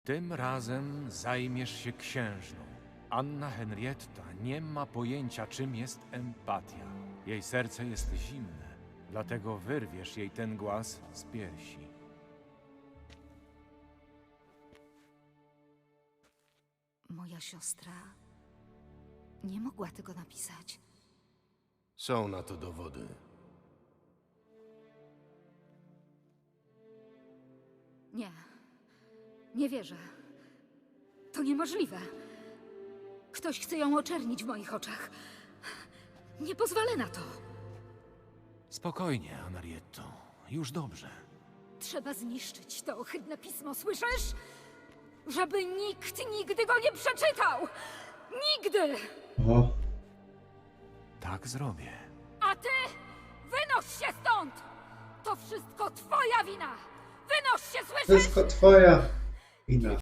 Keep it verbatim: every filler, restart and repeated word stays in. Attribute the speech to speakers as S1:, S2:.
S1: Tym razem zajmiesz się księżną. Anna Henrietta nie ma pojęcia, czym jest empatia. Jej serce jest zimne, dlatego wyrwiesz jej ten głaz z piersi.
S2: Moja siostra nie mogła tego napisać.
S3: Są na to dowody.
S2: Nie. Nie wierzę. To niemożliwe. Ktoś chce ją oczernić w moich oczach. Nie pozwolę na to.
S1: Spokojnie, Anarietto. Już dobrze.
S2: Trzeba zniszczyć to ohydne pismo, słyszysz? Żeby nikt nigdy go nie przeczytał! Nigdy!
S4: Oho.
S1: Tak zrobię.
S2: A ty wynoś się stąd! To wszystko twoja wina! Wynoś się, słyszysz?
S4: Wszystko twoja wina.